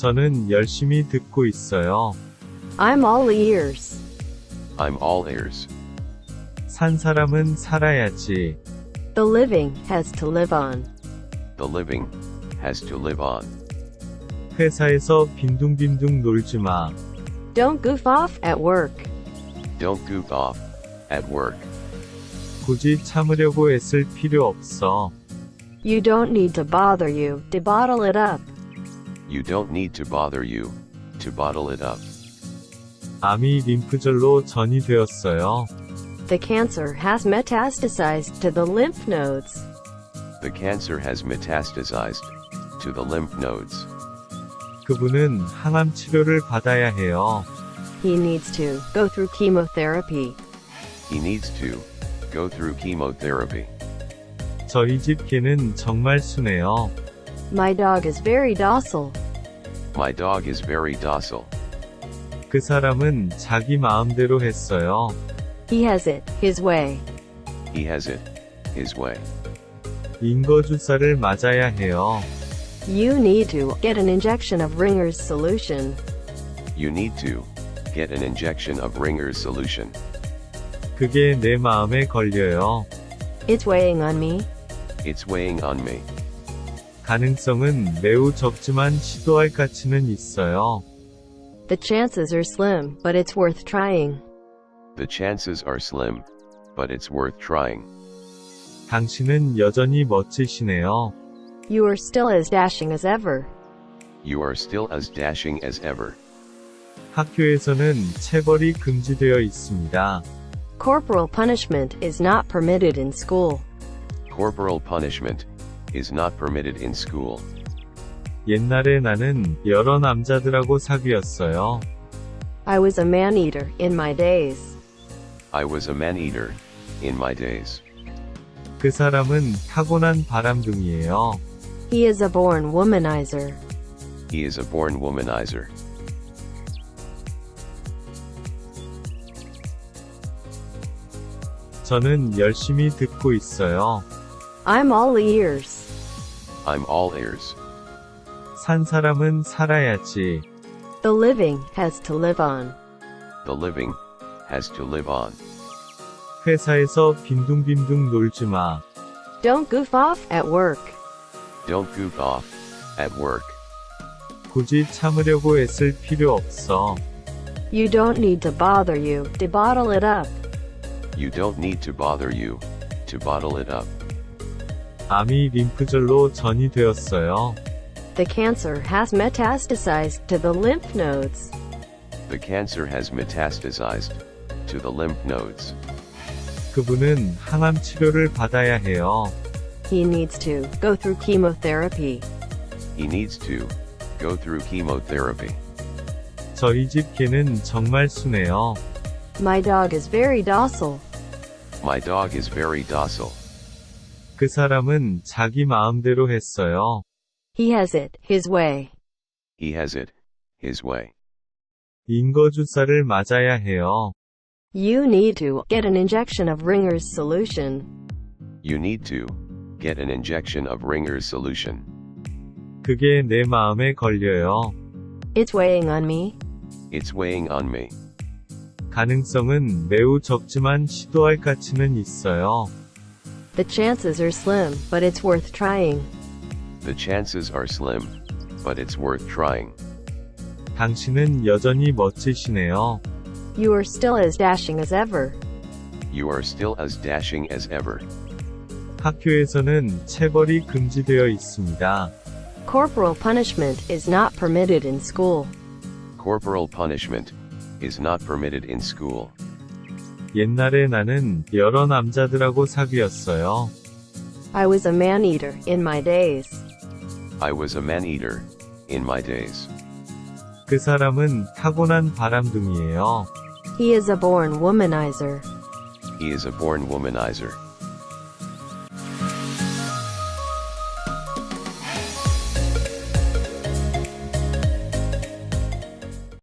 저는 열심히 듣고 있어요. I'm all ears. I'm all ears. 산 사람은 살아야지. The living has to live on. The living has to live on. 회사에서 빈둥빈둥 놀지 마. Don't goof off at work. Don't goof off at work. 굳이 참으려고 애쓸 필요 없어. You don't need to bother you to bottle it up. You don't need to bother you to bottle it up. 암이 림프절로 전이되었어요. The cancer has metastasized to the lymph nodes. The cancer has metastasized to the lymph nodes. 그분은 항암 치료를 받아야 해요. He needs to go through chemotherapy. He needs to go through chemotherapy. 저희 집 개는 정말 순해요. My dog is very docile. My dog is very docile. 그 사람은 자기 마음대로 했어요. He has it his way. He has it his way. 인거주사를 맞아야 해요. You need to get an injection of Ringer's solution. You need to get an injection of Ringer's solution. 그게 내 마음에 걸려요. It's weighing on me. It's weighing on me. 가능성은 매우 적지만 시도할 가치는 있어요. The chances are slim, but it's worth trying. The chances are slim, but it's worth trying. 당신은 여전히 멋지시네요. You are still as dashing as ever. You are still as dashing as ever. 학교에서는 체벌이 금지되어 있습니다. Corporal punishment is not permitted in school. Corporal punishment is not permitted in school. 옛날에 나는 여러 남자들하고 사귀었어요. I was a man-eater in my days. I was a man-eater in my days. 그 사람은 타고난 바람둥이에요. He is a born womanizer. He is a born womanizer. 저는 열심히 듣고 있어요. I'm all ears. I'm all ears. 산 사람은 살아야지. The living has to live on. The living has to live on. 회사에서 빈둥빈둥 놀지 마. Don't goof off at work. Don't goof off at work. 굳이 참으려고 애쓸 필요 없어. You don't need to bother you to bottle it up. You don't need to bother you to bottle it up. 암이 림프절로 전이되었어요. The cancer has metastasized to the lymph nodes. The cancer has metastasized to the lymph nodes. 그분은 항암 치료를 받아야 해요. He needs to go through chemotherapy. He needs to go through chemotherapy. 저희 집 개는 정말 순해요. My dog is very docile. My dog is very docile. 그 사람은 자기 마음대로 했어요. He has it his way. He has it his way. 인거주사를 맞아야 해요. You need to get an injection of Ringer's solution. You need to get an injection of Ringer's solution. 그게 내 마음에 걸려요. It's weighing on me. It's weighing on me. 가능성은 매우 적지만 시도할 가치는 있어요. The chances are slim, but it's worth trying. The chances are slim, but it's worth trying. 당신은 여전히 멋지시네요. You are still as dashing as ever. You are still as dashing as ever. 학교에서는 체벌이 금지되어 있습니다. Corporal punishment is not permitted in school. Corporal punishment is not permitted in school. 옛날에 나는 여러 남자들하고 사귀었어요. I was a man-eater in my days. I was a man-eater in my days. 그 사람은 타고난 바람둥이에요. He is a born womanizer. He is a born womanizer.